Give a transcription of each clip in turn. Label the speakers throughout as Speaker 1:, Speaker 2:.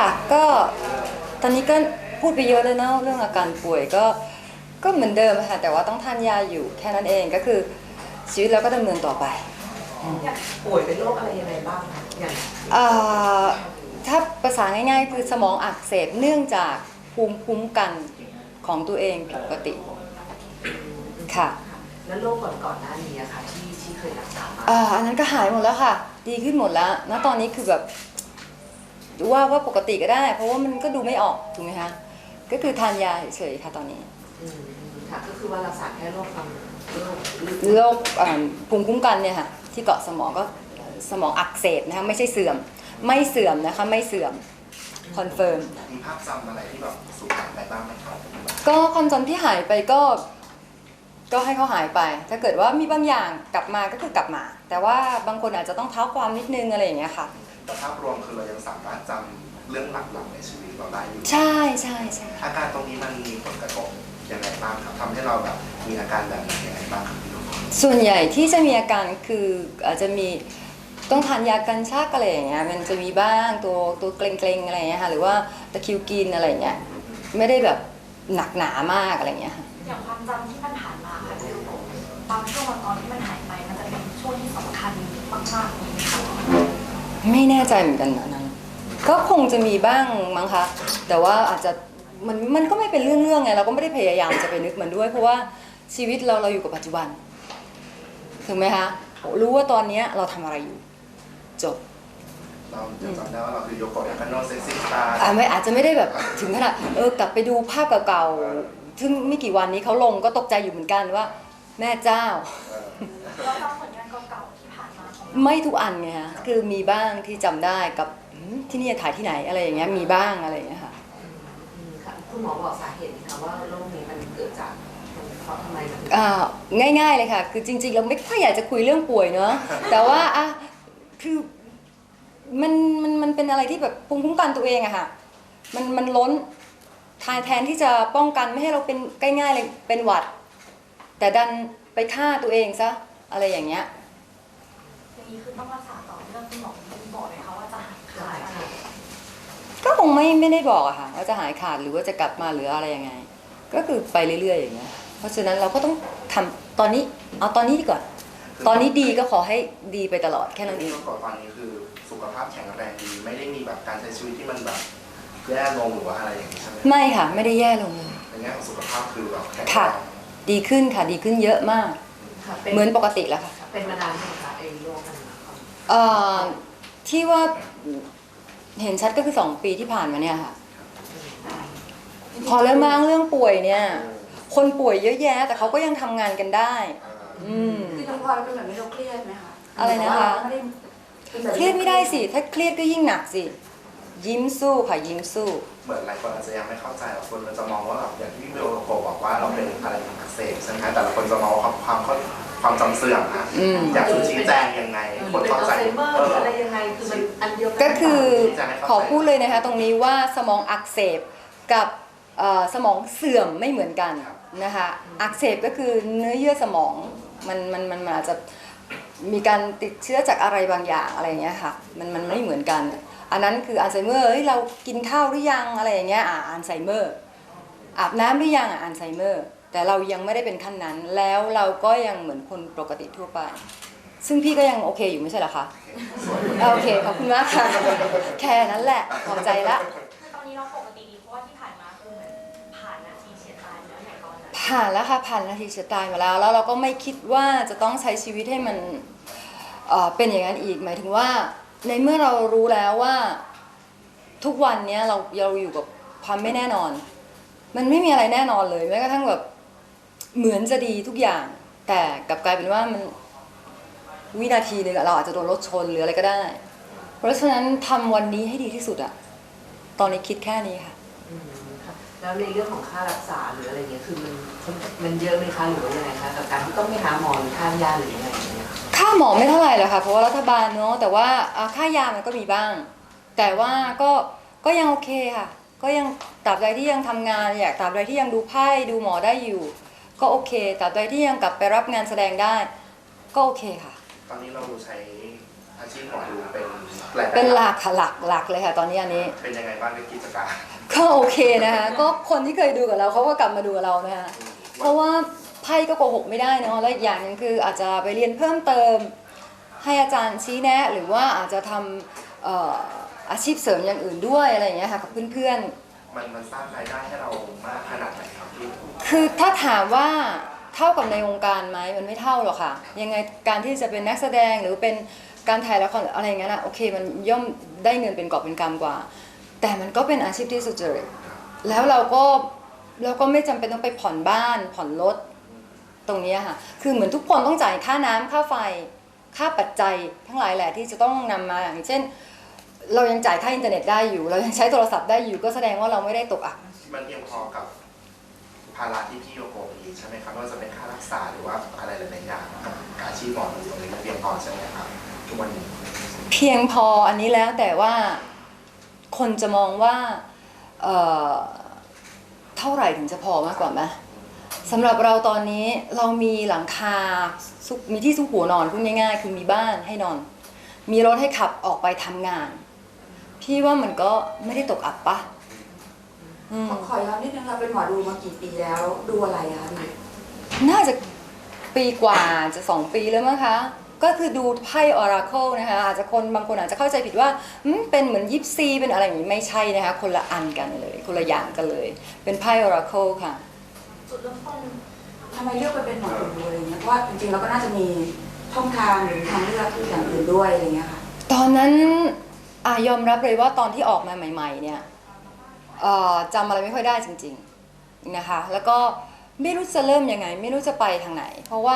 Speaker 1: ก็ตอนนี้ก็พูดไปเยอะเลยเนาะเรื่องอาการป่วยก็เหมือนเดิมค่ะแต่ว่าต้องทานยาอยู่แค่นั้นเองก็คือชีวิตเราก็ดำเนินต่อไป
Speaker 2: ป่วยเป็นโรคอะไรยังไงบ้างอย่าง
Speaker 1: ถ้าภาษาง่ายๆคือสมองอักเสบเนื่องจากภูมิคุ้มกันของตัวเองผิดปกติค่ะ
Speaker 2: แล้วโรคก่อนหน้านี้ค่ะที่เคยรักษามา
Speaker 1: อันนั้นก็หายหมดแล้วค่ะดีขึ้นหมดแล้วณตอนนี้คือแบบว่าปกติก็ได้เพราะว่ามันก็ดูไม่ออกถูกไหมคะก็คือทานยาเฉยๆค่ะตอนนี้
Speaker 2: ค่ะก็คือว่ารักษาแค่โรค
Speaker 1: ภูมิคุ้มกันเนี่ยค่ะที่เกาะสมองก็สมองอักเสบนะคะไม่ใช่เสื่อมไม่เสื่อมนะคะไม่เสื่อมคอนเฟิร์ม
Speaker 3: มีภาพจำอะไรที่แบบสูญหายไปบ้างไหมครับ
Speaker 1: ก็ความจำที่หายไปก็ให้เขาหายไป ถ้าเกิดว่ามีบางอย่างกลับมาก็คือกลับมาแต่ว่าบางคนอาจจะต้องเท้าความนิดนึงอะไรอย่างเงี้ยค่ะ
Speaker 3: แต่ภาพรวมคือเรายังสามารถจำเรื่องหลักๆในชีวิตเราได้อยู่
Speaker 1: ใช่
Speaker 3: อาการตรงนี้มันมีผลกระทบยังไงบ้างครับทำให้เราแบบมีอาการแบบนี้ยังไงบ้างครับพี่ลูก
Speaker 1: ส่วนใหญ่ที่จะมีอาการคืออาจจะมีต้องทานยากันชักอะไรอย่างเงี้ยมันจะมีบ้างตัวเกร็งๆอะไรอย่างเงี้ยค่ะหรือว่าตะคริวกินอะไรอย่างเงี้ยไม่ได้แบบหนักหนามากอะไรอย่างเงี้ยค่ะ
Speaker 4: อย่างความจำที่มันผ่านมาค่ะคือบางช่วงบางตอนที่มันหายไปมันจะเป็นช่วงที่สำคัญมากๆเลยค่ะ
Speaker 1: ไม่แน่ใจเหมือนกันนะนั้นก็คงจะมีบ้างมั้งคะแต่ว่าอาจจะมันก็ไม่เป็นเรื่องไงเราก็ไม่ได้พยายามจะไปนึกมันด้วยเพราะว่าชีวิตเราอยู่กับปัจจุบันถูกไหมคะรู้ว่าตอนนี้เราทำอะไรอยู่จบ
Speaker 3: เราจำได้ว่าเราคือโยโกะยากาโนะเซ็กซี่สตาร์
Speaker 1: อาจจะไม่ได้แบบถึงขนาดกลับไปดูภาพเก่าๆซึ่งไม่กี่วันนี้เขาลงก็ตกใจอยู่เหมือนกันว่าแม่เจ้า
Speaker 4: เราจำผลงานเก่าๆที่ผ่านมา
Speaker 1: ไม่ทุกอันไงฮะคือมีบ้างที่จำได้กับที่นี่ถ่ายที่ไหนอะไรอย่างเงี้ยมีบ้างอะไรอย่างเงี้ยค่ะ
Speaker 2: คุณหมอบอกสาเหตุนะคะว่าโรคนี้มันเกิดจากทำไม
Speaker 1: ง่ายๆเลยค่ะคือจริงๆเราไม่ค่อยอยากจะคุยเรื่องป่วยเนอะแต่ว่าคือมันเป็นอะไรที่แบบภูมิคุ้มกันตัวเองอะค่ะมันล้นแทนที่จะป้องกันไม่ให้เราเป็นง่ายๆเลยเป็นหวัดแต่ดันไปฆ่าตัวเองซะอะไรอย่างเงี้ย
Speaker 4: อย่างนี้คือต้องรักษาต่อเรื่องคุณหมอบอกเลยค่ะว่าจะหายขาด
Speaker 1: ก็คงไม่ได้บอกอะค่ะว่าจะหายขาดหรือว่าจะกลับมาหรืออะไรยังไงก็คือไปเรื่อยๆอย่างเงี้ยเพราะฉะนั้นเราก็ต้องทำตอนนี้เอาตอนนี้ดีกว่าตอนนี้ดีก็ขอให้ดีไปตลอดแค่นั้นเอง
Speaker 3: ก่อนตอนนี้คือสุขภาพแข็งแรงดีไม่ได้มีแบบการใช้ชีวิตที่มันแบบแย่ลงหรือว่าอะไรอย่างนี้ใช่ไหม
Speaker 1: ไม่ค่ะไม่ได้แย่ลงเลย
Speaker 3: ในแง่ของสุขภาพคือแบบแข็ง
Speaker 1: แรงดีขึ้นค่ะดีขึ้นเยอะมากเหมือนปกติแล้วค่ะ
Speaker 2: เป็นมานานไหมคะไอ้โรคนั้น
Speaker 1: ที่ว่าเห็นชัดก็คือ2 ปีที่ผ่านมาเนี่ยค่ะพอเริ่มมาเรื่องป่วยเนี่ยคนป่วยเยอะแยะแต่เขาก็ยังทำงานกันได้
Speaker 2: คือน้องพลอยเป็นแบบนี้เราเครียดไหมคะ
Speaker 1: อะไรนะคะเครียดไม่ได้สิถ้าเครียดก็ยิ่งหนักสิยิ้มสู้ค่ะยิ้มสู้
Speaker 3: เหมือนหลายคนอาจจะยังไม่เข้าใจคนมันจะมองว่าแบบอย่างที่พี่โยโกบอกว่าเราเป็นอะไรอักเสบใช่ไหมแต่ละคนจะมองความจำเสื่อมนะอยากชี้แจงยังไงคนเข้าใจ
Speaker 2: อะไรยังไงคือมันอันเดียวกัน
Speaker 1: ก็คือขอพูดเลยนะคะตรงนี้ว่าสมองอักเสบกับสมองเสื่อมไม่เหมือนกันนะคะอักเสบก็คือเนื้อเยื่อสมองมันอาจจะมีการติดเชื้อจากอะไรบางอย่างอะไรอย่างเงี้ยค่ะมันไม่เหมือนกันอันนั้นคืออัลไซเมอร์เรากินข้าวหรือยังอะไรอย่างเงี้ยอัลไซเมอร์อาบน้ำหรือยังอัลไซเมอร์แต่เรายังไม่ได้เป็นขั้นนั้นแล้วเราก็ยังเหมือนคนปกติทั่วไปซึ่งพี่ก็ยังโอเคอยู่ไม่ใช่เหรอคะโอเคขอบคุณมากค่ะแค่นั้นแหละพอใจละ
Speaker 4: ตอนนี้เราปกติดีเพราะว่าที่ผ่านมาคือเหมือนผ่านนาทีเฉียดตายแล้วในตอนนั้น
Speaker 1: ผ่านแล้วค่ะผ่านนาทีเฉียดตายมาแล้วเราก็ไม่คิดว่าจะต้องใช้ชีวิตให้มันเป็นอย่างนั้นอีกหมายถึงว่าในเมื่อเรารู้แล้วว่าทุกวันนี้เราอยู่กับความไม่แน่นอนมันไม่มีอะไรแน่นอนเลยแม้กระทั่งแบบเหมือนจะดีทุกอย่างแต่กลับกลายเป็นว่ามันวินาทีนึงเราอาจจะโดนรถชนหรืออะไรก็ได้เพราะฉะนั้นทำวันนี้ให้ดีที่สุดอะตอนนี้คิดแค่นี้ค่ะ
Speaker 2: แล้วในเรื่องของค่ารักษาหรืออะไรเงี้ยคือมันเยอะไหมคะหรือว่ายังไงคะกับการที่ต้องไปหาหมอหรือทานยาหรือยังไง
Speaker 1: ค่าหมอไม่เท่าไหร่หรอกค่ะเพราะว่ารัฐบาลเนาะแต่ว่าค่ายามันก็มีบ้างแต่ว่าก็ยังโอเคค่ะก็ยังตราบใดที่ยังทำงานตราบใดที่ยังดูไพ่ดูหมอได้อยู่ก็โอเคตราบใดที่ยังกลับไปรับงานแสดงได้ก็โอเคค่ะ
Speaker 3: ตอนนี้เราใช้อาชีพหมอดูเป็นรายได้
Speaker 1: เป็นหลักค่ะหลักเลยค่ะตอนนี้อันนี้
Speaker 3: เป็นยังไงบ้างในกิจการ
Speaker 1: ก็โอเคนะคะก็คนที่เคยดูกับเราเขาก็กลับมาดูกับเรานะคะเพราะว่าไพ่ก็โกหกไม่ได้เนาะและอีกอย่างหนึงคืออาจจะไปเรียนเพิ่มเติมให้อาจารย์ชี้แนะ หรือว่าอาจจะทำอาชีพเสริมอย่างอื่นด้วยอะไรอย่างเงี้ยค่ะกับเพื่อนๆ
Speaker 3: มันสร้างรายได้ให้เรามากขนาดไหนครับพี่
Speaker 1: คือถ้าถามว่าเท่ากับในวงการไหมมันไม่เท่าหรอกค่ะยังไงการที่จะเป็นนักแสดงหรือเป็นการถ่ายละครอะไรอย่างเงี้ยนะโอเคมันย่อมได้เงินเป็นกอบเป็นกำกว่า แต่มันก็เป็นอาชีพที่สุจริตแล้วเราก็ไม่จำเป็นต้องไปผ่อนบ้านผ่อนรถตรงนี้ค่ะคือเหมือนทุกคนต้องจ่ายค่าน้ำค่าไฟค่าปัจจัยทั้งหลายแหละที่จะต้องนำมาอย่างเช่นเรายังจ่ายค่าอินเทอร์เน็ตได้อยู่เรายังใช้โทรศัพท์ได้อยู่ก็แสดงว่าเราไม่ได้ตกอับ
Speaker 3: มันเพียงพอกับภาระที่พี่โยโกะมีใช่ไหมครับไม่ว่าจะเป็นค่ารักษาหรือว่าอะไรหลายๆอย่างกับอาชีพหมอตรงนี้มันเพียงพอใช่ไหมครับทุกวันนี้
Speaker 1: เพียงพออันนี้แล้วแต่ว่าคนจะมองว่าเอ่อเท่าไหร่ถึงจะพอมากกว่าไหมสำหรับเราตอนนี้เรามีหลังคามีที่ซุกหัวนอนพูดง่ายๆคือมีบ้านให้นอน มีรถให้ขับออกไปทำงาน พี่ว่ามันก็ไม่ได้ตกอับปะอืม
Speaker 5: ขอย้อนนิดนึงค่ะเป็นหมอดูมากี่ปีแล้วดูอะไรคะพี่
Speaker 1: น่าจะปีกว่าจะ2 ปีแล้วมั้งคะก็คือดูไพ่ออราเคิลนะคะอาจจะบางคนอาจจะเข้าใจผิดว่าเป็นเหมือนยิปซีเป็นอะไรอย่างนี้ไม่ใช่นะคะคนละอันกันเลยคนละอย่างกันเลยเป็นไพ่ออราเคิลค่ะ
Speaker 4: จุดเริ่มต้น
Speaker 5: ทำไมเลือกไปเป็นหมอดูอะไรเงี้ยเพราะว่าจริงๆเราก็น่าจะมีช่องทางหรือทางเลือกที่อย่างอื่นด้วยอะไรเงี้ยค่ะ
Speaker 1: ตอนนั้นยอมรับเลยว่าตอนที่ออกมาใหม่ๆเนี่ยจำอะไรไม่ค่อยได้จริงๆนะคะแล้วก็ไม่รู้จะเริ่มยังไงไม่รู้จะไปทางไหน เพราะว่า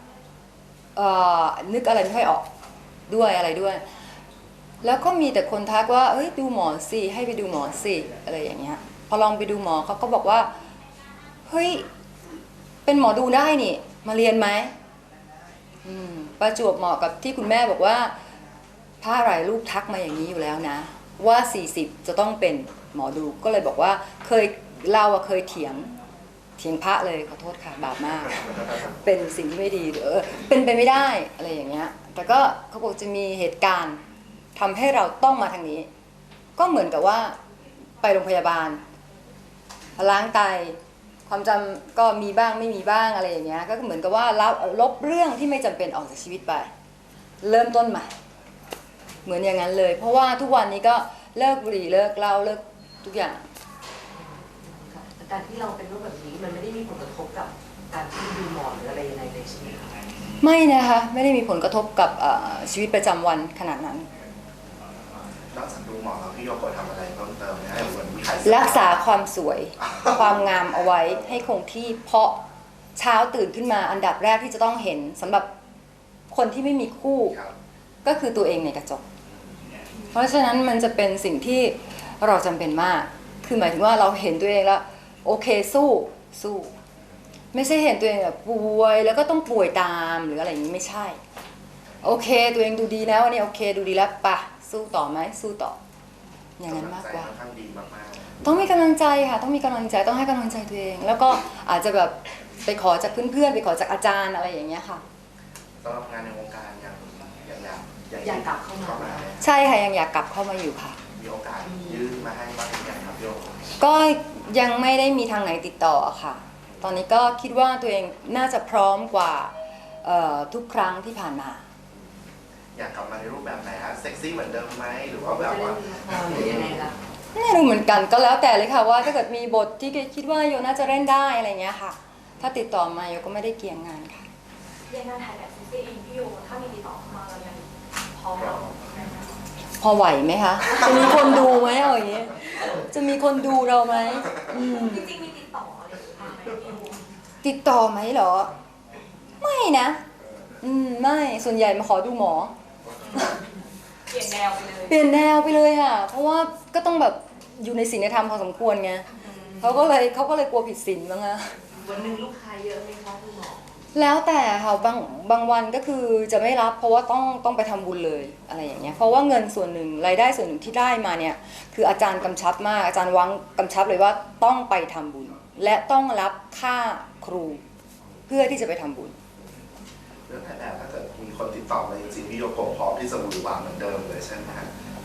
Speaker 1: นึกอะไรไม่ค่อยออกด้วยอะไรด้วย แล้วก็มีแต่คนทักว่าเอ้ยดูหมอสิให้ไปดูหมอสิอะไรอย่างเงี้ยพอลองไปดูหมอเขาก็บอกว่าเฮ้ยเป็นหมอดูได้นี่มาเรียนไหมประจวบเหมาะกับที่คุณแม่บอกว่าพระหลายรูปทักมาอย่างนี้อยู่แล้วนะว่า40จะต้องเป็นหมอดูก็เลยบอกว่าเราเคยเถียงพระเลยขอโทษค่ะบาปมาก เป็นสิ่งที่ไม่ดีเป็นไปไม่ได้อะไรอย่างเงี้ยแต่ก็เขาบอกจะมีเหตุการณ์ทำให้เราต้องมาทางนี้ ก็เหมือนกับว่าไปโรงพยาบาลล้างไตความจำก็มีบ้างไม่มีบ้างอะไรอย่างเงี้ยก็เหมือนกับว่าลบเรื่องที่ไม่จำเป็นออกจากชีวิตไปเริ่มต้นใหม่เหมือนอย่างนั้นเลย เพราะว่าทุกวันนี้ก็เลิกบุหรี่เลิกเหล้าเลิกทุกอย่าง
Speaker 2: การที่เราเป็นโรคแบบนี้มันไม่ได้มีผลกระทบกับการที่ดูหมอหรืออะไรยังไงเลยใช่ไหมคะ
Speaker 1: ไม่นะคะไม่ได้มีผลกระทบกับชีวิตประจำวันขนาดนั้น
Speaker 3: นอกจากดูหมอแล้วพี่โยโกะทำอะไรเพิ่มเติมไหมให้เหมือนมีใคร
Speaker 1: รักษาความสวย ความงามเอาไว้ให้คงที่เพราะเช้าตื่นขึ้นมาอันดับแรกที่จะต้องเห็นสำหรับคนที่ไม่มีคู่
Speaker 3: ครับ
Speaker 1: ก็คือตัวเองในกระจก เพราะฉะนั้นมันจะเป็นสิ่งที่เราจำเป็นมาก คือหมายถึงว่าเราเห็นตัวเองแล้วโอเคสู้ไม่ใช่เห็นตัวเองแบบป่วยแล้วก็ต้องป่วยตามหรืออะไรอย่างนี้ไม่ใช่ โอเคตัวเองดูดีแล้วอันนี้โอเคดูดีแล้วปะสู้ต่อไหมสู้ต่ออย่างนั้นมากกว่า
Speaker 3: ค่อนข้างดีมาก
Speaker 1: ต้องมีกำลังใจค่ะต้องมีกำลังใจต้องให้กำลังใจตัวเอง แล้วก็อาจจะแบบไปขอจากเพื่อนๆไปขอจากอาจารย์อะไรอย่างเงี้ยค่ะ
Speaker 3: ๆสำหรับงานในวงการ
Speaker 2: อยากกลับเข้ามา
Speaker 1: ใช่ค่ะยังอยากกลับเข้ามาอยู่ค่ะ
Speaker 3: มีโอกาสยื่นมาให้บ้างหรือยังครับโยโกะ
Speaker 1: ก็ยังไม่ได้มีทางไหนติดต่อค่ะ ตอนนี้ก็คิดว่าตัวเองน่าจะพร้อมกว่าทุกครั้งที่ผ่านมา
Speaker 3: อยากกลับมาในรูปแบบไหนฮะเซ็กซี่เหมือนเดิมไหมหรือว่า
Speaker 2: จะ
Speaker 3: แบบ
Speaker 2: เล่
Speaker 3: ว่า
Speaker 2: นละครหรือยังไงล่ะ
Speaker 1: ไม่รู้เหมือนกันก็แล้วแต่เลยค่ะว่าถ้าเกิดมีบทที่คิดว่าโยน่าจะเล่นได้อะไรเงี้ยค่ะ ถ้าติดต่อมาโยก็ไม่ได้เกี่ยงงานค่ะ
Speaker 4: เรียนงานถ่ายแบบซีซีเองพี่โยถ้ามีติดต่อเข้ามาเรายังพร้อมเราไหมคะ
Speaker 1: พอไหวไหมคะ จะมีคนดูไหมเอาอย่างงี้จะมีคนดูเราไหม
Speaker 4: จริงๆมีติดต่ออะไรอย่างเงี้ยไหมพี่โย
Speaker 1: ติดต่อไหมเหรอ ไม่นะไม่ส่วนใหญ่มาขอดูหมอ
Speaker 4: เปลี่ยนแนวไปเลย
Speaker 1: เปลี่ยนแนวไปเลยค่ะ เพราะว่าก็ต้องแบบอยู่ในศีลธรรมพอสมควรไงเขาก็เลยกลัวผิดศีลบ้างอะ
Speaker 2: วันหนึ่งลูกค้าเยอะไหมคะคุณหมอ
Speaker 1: แล้วแต่ค่ะบางวันก็คือจะไม่รับเพราะว่าต้องไปทำบุญเลยอะไรอย่างเงี้ยเพราะว่าเงินส่วนหนึ่งรายได้ส่วนหนึ่งที่ได้มาเนี่ยคืออาจารย์กำชับมากอาจารย์วังกำชับเลยว่าต้องไปทำบุญ และต้องรับค่าครูเพื่อที่จะไปทำบุญ
Speaker 3: เรื่องถ่ายแบบถ้าเกิดมีคนติดต่อมาจริงๆพี่โยโกะพร้อมที่จะบุญหวานเหมือนเดิมเลยใช่ไหมฮะ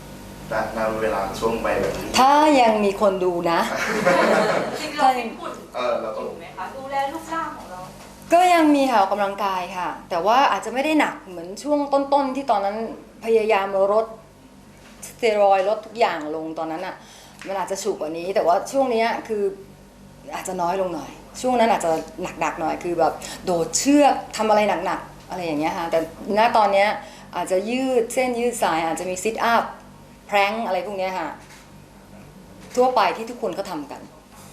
Speaker 3: ณเวลาช่วงวัยแบบนี้
Speaker 1: ถ้ายังมีคนดูนะ
Speaker 4: จริงๆเราฟิตหุ่น
Speaker 3: เรา
Speaker 4: อ
Speaker 3: ต้อง
Speaker 4: ยู่ไหมคะดูแลรูปร่างของเรา
Speaker 1: ก็ยังมีค่ะออกกำลังกายค่ะ แต่ว่าอาจจะไม่ได้หนักเหมือนช่วงต้นๆที่ตอนนั้นพยายามลดสเตียรอยด์ลดทุกอย่างลงตอนนั้นอ่ะมันอาจจะฉุกกว่านี้ แต่ว่าช่วงเนี้ยคืออาจจะน้อยลงหน่อย ช่วงนั้นอาจจะหนักๆหน่อยคือแบบโดดเชือกทำอะไรหนักๆอะไรอย่างเงี้ยค่ะแต่ณตอนเนี้ยอาจจะยืดเส้นยืดสายอาจจะมีซิทอัพแพร้งอะไรพวกเนี้ยค่ะทั่วไปที่ทุกคนเขาทำกัน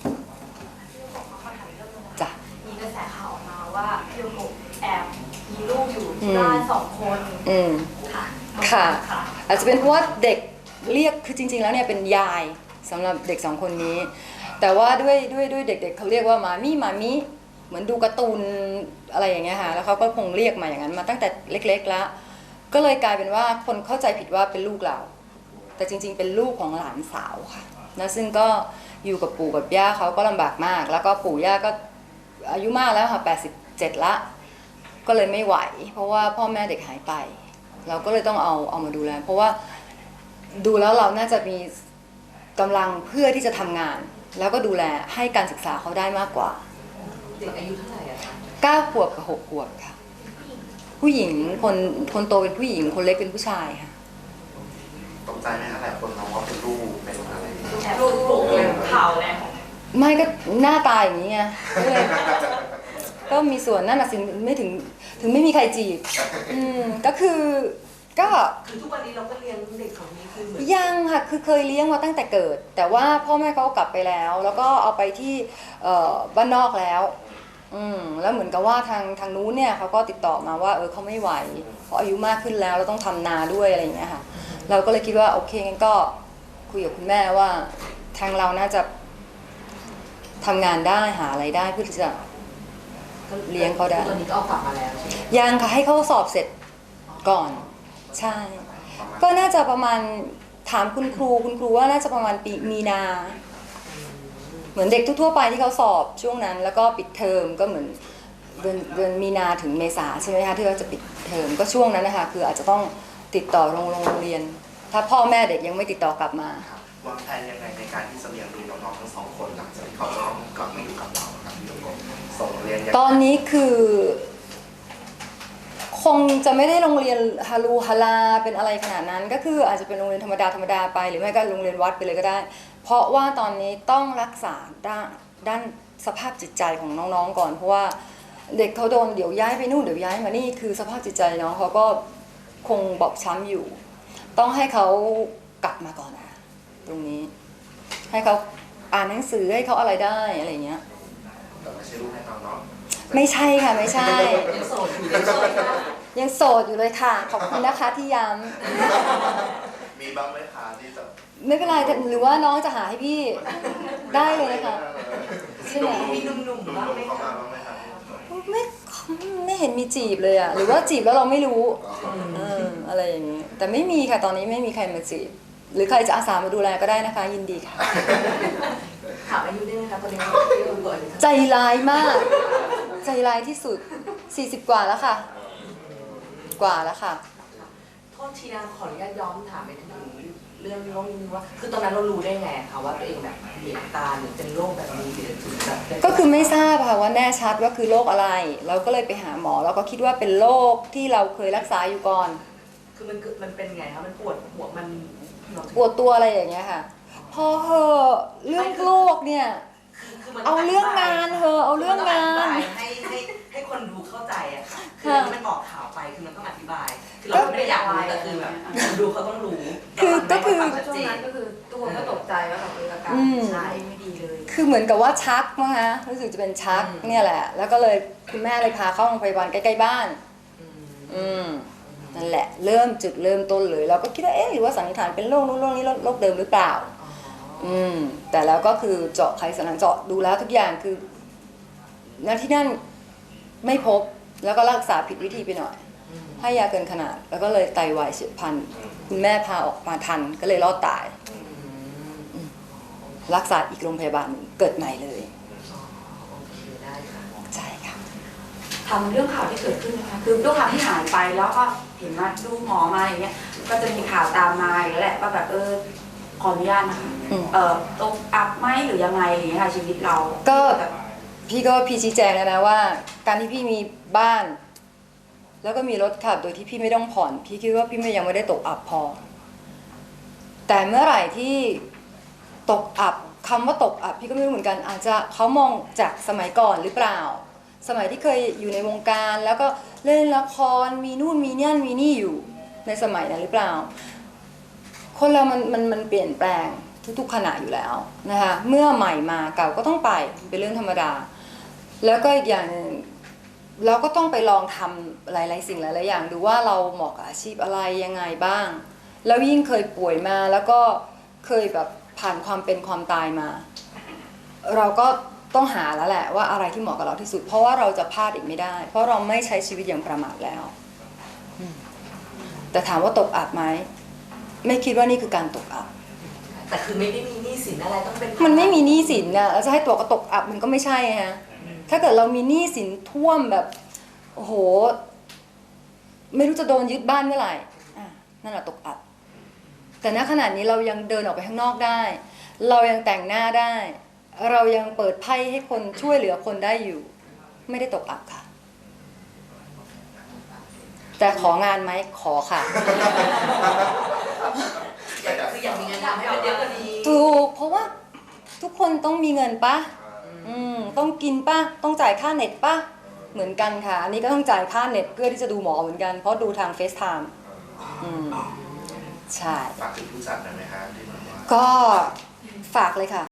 Speaker 1: จ้ะ
Speaker 4: มีกระแสข่าวออกมาว่าพี่โยโกะแอบมีลูกอยู่ที่บ้าน2 คน
Speaker 1: อืม
Speaker 4: ค่ะ
Speaker 1: ค่ะ
Speaker 4: ค่ะ
Speaker 1: อาจจะเป็นเพราะว่าเด็กเรียกคือจริงๆแล้วเนี่ยเป็นยายสำหรับเด็ก2 คนนี้ แต่ว่าด้วยเด็กๆเขาเรียกว่ามามี่เหมือนดูการ์ตูนอะไรอย่างเงี้ยค่ะแล้วเขาก็คงเรียกมาอย่างนั้นมาตั้งแต่เล็กๆแล้วก็เลยกลายเป็นว่าคนเข้าใจผิดว่าเป็นลูกเรา แต่จริงๆเป็นลูกของหลานสาวค่ะนะซึ่งก็อยู่กับปู่กับย่าเขาก็ลำบากมาก แล้วก็ปู่ย่าก็อายุมากแล้วค่ะ87ละก็เลยไม่ไหว เพราะว่าพ่อแม่เด็กหายไป เราก็เลยต้องเอามาดูแลเพราะว่าดูแล้วเราน่าจะมีกำลังเพื่อที่จะทำงาน แล้วก็ดูแลให้การศึกษาเขาได้มากกว่า
Speaker 2: เด็กอายุเท่าไหร่อะคะ
Speaker 1: 9 ขวบกับ 6 ขวบค่ะ ผู้หญิงคนโตเป็นผู้หญิงคนเล็กเป็นผู้ชายค่ะ
Speaker 3: ตกใจไหมคะหลายคนมองว่าเป็นลูกเป็นอะไร
Speaker 4: แอบลูกข่าวแรง
Speaker 1: ไม่ก็หน้าตาอย่างนี้ไงก็เลยก็มีส่วนนั่นน่ะสิไม่ถึงไม่มีใครจีบก็คือก็
Speaker 2: คือทุกวันนี้เราก็เลี้ยงเด็กของนี้คือเหมือน
Speaker 1: ยังค่ะคือเคยเลี้ยงมาตั้งแต่เกิด แต่ว่าพ่อแม่เขากลับไปแล้ว แล้วก็เอาไปที่บ้านนอกแล้วแล้วเหมือนกับว่าทางนู้นเนี่ยเขาก็ติดต่อมาว่าเขาไม่ไหวเพราะอายุมากขึ้นแล้วเราต้องทำนาด้วยอะไรอย่างเงี้ยค่ะเราก็เลยคิดว่าโอเคงั้นก็คุยกับคุณแม่ว่าทางเราน่าจะทำงานได้หาอะไรได้เพื่อที่จะเลี้ยงเขาได้
Speaker 2: ตอนนี้ก็เอากลับมาแล้วใช่ไหม
Speaker 1: ยังค่ะให้เขาสอบเสร็จก่อนใช่ก็น่าจะประมาณถามคุณครูว่าน่าจะประมาณปีมีนา เหมือนเด็กทั่วๆไปที่เขาสอบช่วงนั้น แล้วก็ปิดเทอมก็เหมือนเดือนมีนาถึงเมษาใช่ไหมคะที่เขาจะปิดเทอมก็ช่วงนั้นนะคะคืออาจจะต้องติดต่อโรงเรียน ถ้าพ่อแม่เด็กยังไม่ติดต่อกลับมา
Speaker 3: วางแผนยังไงในการที่จะเลี้ยงดูน้องๆทั้ง2 คนหลังจากที่เขาจะต้องกลับมาอยู่กับเราครับพี่โยโกะส่งเรียนยังไง
Speaker 1: ตอนนี้คือคงจะไม่ได้โรงเรียนฮาลูฮาลาเป็นอะไรขนาดนั้น ก็คืออาจจะเป็นโรงเรียนธรรมดาไปหรือไม่ก็โรงเรียนวัดไปเลยก็ได้ เพราะว่าตอนนี้ต้องรักษาด้านสภาพจิตใจของน้องๆก่อนเพราะว่าเด็กเขาโดนเดี๋ยวย้ายไปนู่นเดี๋ยวย้ายมานี่คือสภาพจิตใจน้องเขาก็คงบอบช้ำอยู่ ต้องให้เขากลับมาก่อนนะตรงนี้ให้เขาอ่านหนังสือให้เขาอะไรได้อะไรเงี้ย
Speaker 3: แต่ไม่ใช่ลูกให้เราเนาะ
Speaker 1: ไม่ใช่ค่ะไม่ใช่
Speaker 2: ยังโสดอยู่ยังโสดอยู่
Speaker 1: ยังโสดอยู่เลยค่ะ ขอบคุณนะคะที่ย้
Speaker 3: มีบ้างไหมคะที่จะ
Speaker 1: ำไม่เป็นไรแต่หรือว่าน้องจะหาให้พี่ได้เลยนะคะใช่ไหม
Speaker 2: มีหนุ่มๆบ้างไหม
Speaker 3: เข้า
Speaker 2: คะ
Speaker 3: มาบ้างไหมคะ
Speaker 1: ไม่เห็นมีจีบเลยอ่ะหรือว่าจีบแล้วเราไม่รู้อะไรอย่างนี้แต่ไม่มีค่ะตอนนี้ไม่มีใครมาจีบหรือใครจะอาสามาดูแลก็ได้นะคะยินดีค่ะ
Speaker 2: ถามอายุได้ไหมคะตอนนี้พี่โยโกะอายุเท่าไหร่
Speaker 1: ใจร้ายมาก ใจร้ายที่สุด40 กว่าแล้วค่ะ กว่าแล้วค่ะ
Speaker 2: โทษทีนะขออนุญาตย้อนถามไปถึงเรื่องโรคนี้ว่า คือตอนนั้นเรารู้ได้ไงคะว่าตัวเองแบบเหลียงตาหรือเป็นโรคแบบนี้หรือถึงแบบเป็น
Speaker 1: ก็คือไม่ทราบค่ะว่าแน่ชัดว่าคือโรคอะไร เราก็เลยไปหาหมอแล้วก็คิดว่าเป็นโรคที่เราเคยรักษาอยู่ก่อน
Speaker 2: คือมันเป็นไงคะมันปวดหัวมัน
Speaker 1: ปวดตัวอะไรอย่างเงี้ยค่ะ พอเหอะเรื่องโรคเนี่ย
Speaker 2: คือมัน
Speaker 1: เอาเรื่องงานเถอะเอาเรื่องงาน
Speaker 2: ให้คนดูเข้าใจอะค่ะคือ
Speaker 1: ค่ะ
Speaker 2: อันนี้มันออกข่าวไปคือมันต้องอธิบาย คือเราไม่ได้อยากรู้แต่คือแบบคนดูเขาต้องรู้
Speaker 1: ก็คือ
Speaker 2: เราไม่ได้
Speaker 5: ช่วงนั้นก็คือทุกคนก็ตกใจว่าแบบอาการใช่ไม่ดีเลย
Speaker 1: คือเหมือนกับว่าชักมั้งคะรู้สึกจะเป็นชักเนี่ยแหละ แล้วก็เลยคุณแม่เลยพาเข้าโรงพยาบาลใกล้ๆบ้าน นั่นแหละเริ่มต้นเลยเราก็คิดว่าหรือว่าสันนิษฐานเป็นโรคนู้นโรคนี้โรคเดิมหรือเปล่าแต่แล้วก็คือเจาะไขสันหลังเจาะดูแล้วทุกอย่างคือณที่นั่นไม่พบแล้วก็รักษาผิดวิธีไปหน่อย ให้ยาเกินขนาดแล้วก็เลยไตวายเฉียบพลันคุณแม่พาออกมาทันก็เลยรอดตายรักษาอีกโรงพยาบาลหนึ่งเกิดใหม่เลย
Speaker 2: โอเคได้ค่ะ
Speaker 1: ใช่ค่ะ
Speaker 2: ค
Speaker 5: ทำเรื่องข่าวที่เกิดขึ้นนะคะคือด้วยความที่หายไปแล้วก็เห็นมาดูหมอมาอย่างเงี้ยก็จะมีข่าวตามมาอยู่แล้วแหละว่าแบบขออนุญาตนะคะตกอับไหมหรือยังไงอย่างเงี้ยค่ะชีวิตเรา
Speaker 1: ก็
Speaker 5: แบบ
Speaker 1: พี่ชี้แจงแล้วนะว่า การที่พี่มีบ้าน แล้วก็มีรถขับโดยที่พี่ไม่ต้องผ่อน พี่คิดว่าพี่ยังไม่ได้ตกอับพอ แต่เมื่อไหร่ที่ตกอับคำว่าตกอับพี่ก็ไม่รู้เหมือนกัน อาจจะเขามองจากสมัยก่อนหรือเปล่า สมัยที่เคยอยู่ในวงการ แล้วก็เล่นละครมีนู่นมีนี่มีนี่อยู่ในสมัยนั้นหรือเปล่า คนเรามันเปลี่ยนแปลงทุกๆขณะอยู่แล้วนะคะเมื่อใหม่มาเก่าก็ต้องไปเป็นเรื่องธรรมดา แล้วก็อีกอย่างหนึ่งเราก็ต้องไปลองทำหลายๆสิ่งหลายๆอย่างดูว่าเราเหมาะกับอาชีพอะไรยังไงบ้าง แล้วยิ่งเคยป่วยมาแล้วก็เคยแบบผ่านความเป็นความตายมา เราก็ต้องหาแล้วแหละว่าอะไรที่เหมาะกับเราที่สุด เพราะว่าเราจะพลาดอีกไม่ได้ เพราะเราไม่ใช้ชีวิตอย่างประมาทแล้วแต่ถามว่าตกอับไหมไม่คิดว่านี่คือการตกอับ
Speaker 2: แต่คือไม่ได้มีหนี้สินอะไรต้องเป็น
Speaker 1: มันไม่มีหนี้สินนะแล้วจะให้ตัวก็ตกอับมันก็ไม่ใช่ฮะถ้าเกิดเรามีหนี้สินท่วมแบบโอ้โหไม่รู้จะโดนยึดบ้านเมื่อไหร่นั่นแหละตกอับแต่ณขณะนี้เรายังเดินออกไปข้างนอกได้ เรายังแต่งหน้าได้ เรายังเปิดไพ่ให้คนช่วยเหลือคนได้อยู่ ไม่ได้ตกอับค่ะ แต่ของานไหมขอค่ะ
Speaker 2: คืออยากมีเงินทำให้มันเยอะกว่านี้
Speaker 1: ถูกเพราะว่าทุกคนต้องมีเงินปะต้องกินปะต้องจ่ายค่าเน็ตปะเหมือนกันค่ะ อันนี้ก็ต้องจ่ายค่าเน็ตเพื่อที่จะดูหมอเหมือนกันเพราะดูทางเฟซไทม์ใช่
Speaker 3: ฝากถึงผู้จัดหน่อยไหมคะที่แบบว่า
Speaker 1: ก็ฝากเลยค่ะ